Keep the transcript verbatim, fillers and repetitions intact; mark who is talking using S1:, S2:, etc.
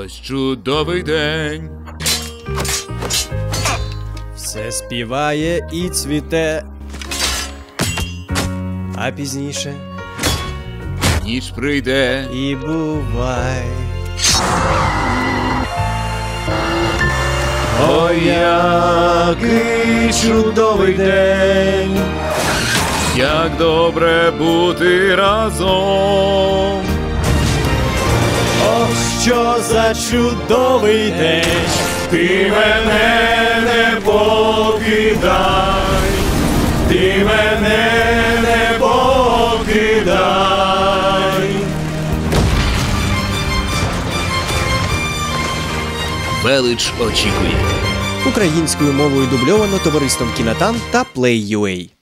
S1: Ось чудовий день.
S2: Все співає і цвіте, а пізніше
S1: Ніч прийде.
S2: і бувай.
S1: Ой, який чудовий день, як добре бути разом.
S2: Ох, що за чудовий день,
S1: Ти мене не покидай, ти мене не покидай. Велич очікує.
S2: Українською мовою дубльовано товариством Кінотан та Play.ua.